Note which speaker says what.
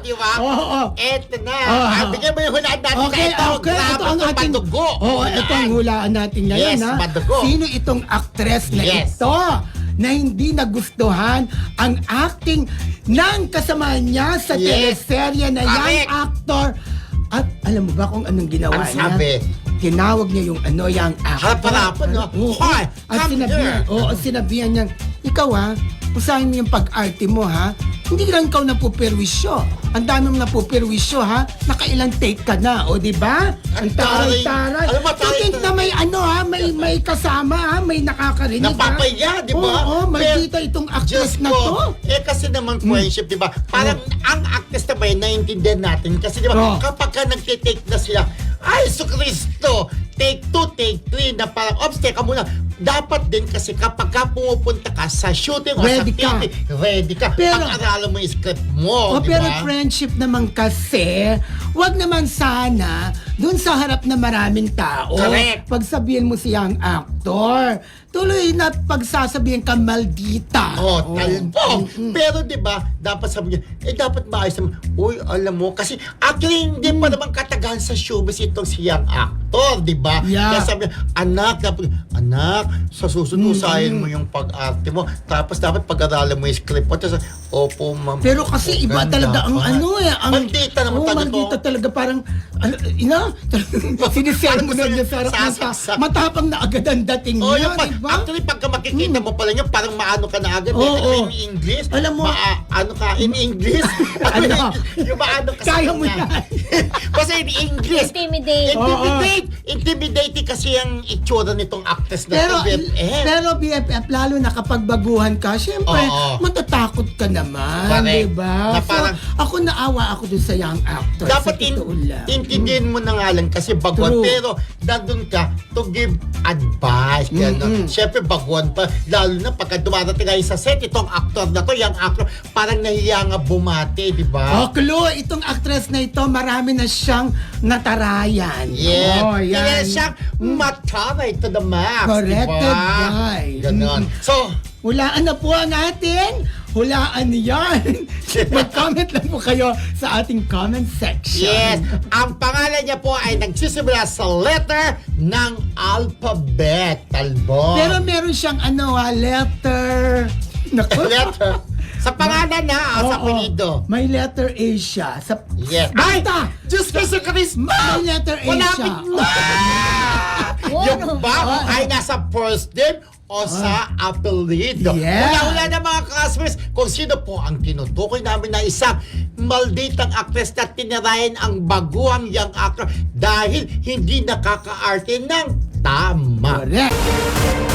Speaker 1: di ba?
Speaker 2: Oo.
Speaker 1: Eto na. Bigyan mo yung hulaan natin
Speaker 2: Okay,
Speaker 1: na ito.
Speaker 2: okay. Ito ang ating...
Speaker 1: Badugo.
Speaker 2: Ito ang hulaan natin ngayon,
Speaker 1: Yes,
Speaker 2: ha?
Speaker 1: badugo.
Speaker 2: Sino itong actress na
Speaker 1: Yes.
Speaker 2: ito na hindi nagustuhan ang acting ng kasama niya sa
Speaker 1: Yes.
Speaker 2: teleserye na young
Speaker 1: Correct.
Speaker 2: actor? At alam mo ba kung anong ginawa
Speaker 1: Ang
Speaker 2: niya?
Speaker 1: sabi?
Speaker 2: Tinawag niya yung young actor.
Speaker 1: Harap-harapan, no?
Speaker 2: Oo.
Speaker 1: Hoy,
Speaker 2: At
Speaker 1: come
Speaker 2: sinabihan,
Speaker 1: here.
Speaker 2: sinabihan niya, ikaw usahin mo yung pag-arte mo, ha? Hindi lang ikaw napuperwisyo. Ang dami mong napuperwisyo, ha? Nakailang take ka na, di ba? Ang taray-taray.
Speaker 1: Alam mo,
Speaker 2: To think na may may kasama, ha? May nakakarinig, ha?
Speaker 1: Napapaya, di ba?
Speaker 2: Oo, maldita itong actress
Speaker 1: Diyos
Speaker 2: na
Speaker 1: ko,
Speaker 2: to.
Speaker 1: kasi naman friendship, di ba? Parang ang actress na ba yun, naiintindihan natin. Kasi di ba,
Speaker 2: Oo.
Speaker 1: kapag ka nagtitake na sila, ay, so Kristo, take 2, take 3, na parang, ops, teka muna. Dapat din kasi kapag ka pumupunta ka sa shooting o
Speaker 2: Ready
Speaker 1: sa
Speaker 2: ka.
Speaker 1: TV, ready ka.
Speaker 2: Pero-
Speaker 1: Pag-aralan mo yung script mo, di
Speaker 2: Pero
Speaker 1: ba?
Speaker 2: friendship naman kasi, wag naman sana dun sa harap na maraming tao.
Speaker 1: Correct.
Speaker 2: Pagsabihin mo siyang actor, tuloy na pagsasabihin ka maldita.
Speaker 1: Talbog. Pero 'di ba, dapat sabi niya, dapat maayos naman. Uy, alam mo kasi actually hindi pa naman katagal sa showbiz itong siyang actor, 'di ba?
Speaker 2: Yeah.
Speaker 1: Kaya sabi niya, anak, sa susunod usahin mo yung pag-arte mo. Tapos dapat pag-aralan mo yung script mo. Tapos, opo, ma'am.
Speaker 2: Pero kasi iba talaga ang ang
Speaker 1: Maldita naman talaga to.
Speaker 2: maldita talaga parang sinisell mo na niya sa harap ng
Speaker 1: Sasaksak.
Speaker 2: matapang na agad ang dating
Speaker 1: Oh,
Speaker 2: niya,
Speaker 1: yung
Speaker 2: di ba?
Speaker 1: actually, pagka makikita mo pala niya, parang maano ka na agad.
Speaker 2: Oo.
Speaker 1: In English.
Speaker 2: Alam mo-
Speaker 1: ano ka, in English.
Speaker 2: Ano?
Speaker 1: Yung maano ka sa
Speaker 2: Kaya mo
Speaker 1: kanya.
Speaker 2: yan.
Speaker 1: Kasi in English.
Speaker 3: Intimidate.
Speaker 1: Intimidating kasi ang itsura nitong actress na
Speaker 2: Pero,
Speaker 1: to, BFF.
Speaker 2: pero BFF, lalo na kapag baguhan ka, syempre,
Speaker 1: Oo.
Speaker 2: matatakot ka naman,
Speaker 1: Correct.
Speaker 2: di ba?
Speaker 1: Na parang-
Speaker 2: So, ako naawa ako dun sa young actor.
Speaker 1: Dapat
Speaker 2: sa totoo lang.
Speaker 1: intindihin mo na nga lang kasi baguhan.
Speaker 2: True.
Speaker 1: Pero nandun ka to give advice. Gano'n. Siyempre baguhan pa. Lalo na pagka dumarating kayo sa set, itong actor na to, young actor, parang nahiya nga bumati, di ba?
Speaker 2: Oh, Chloe, itong actress na ito, marami na siyang natarayan.
Speaker 1: Yeah.
Speaker 2: Oh,
Speaker 1: Kaya
Speaker 2: yan.
Speaker 1: siyang mataray to the max.
Speaker 2: Corrected
Speaker 1: diba?
Speaker 2: by.
Speaker 1: Ganon. So,
Speaker 2: Hulaan na po ang atin. Hulaan yan. Mag-comment lang po kayo sa ating comment section.
Speaker 1: yes, ang pangalan niya po ay nagsisimula sa letter ng alphabet. Talbot.
Speaker 2: Pero meron siyang letter. Naku.
Speaker 1: letter. Sa pangalan na, sa
Speaker 2: Oo.
Speaker 1: apelido.
Speaker 2: May letter A siya.
Speaker 1: Yes. Ay!
Speaker 2: Basta!
Speaker 1: Diyos ko sa Christmas!
Speaker 2: May letter A
Speaker 1: Malapit
Speaker 2: siya.
Speaker 1: na! Yung
Speaker 3: Ano?
Speaker 1: ba ay nasa first name o sa apelido?
Speaker 2: Yeah.
Speaker 1: Wala na mga classmates kung sino po ang tinutukoy namin na isang malditang actress na tinirayan ang baguhang young actor dahil hindi nakaka-arte ng tama.
Speaker 2: Correct.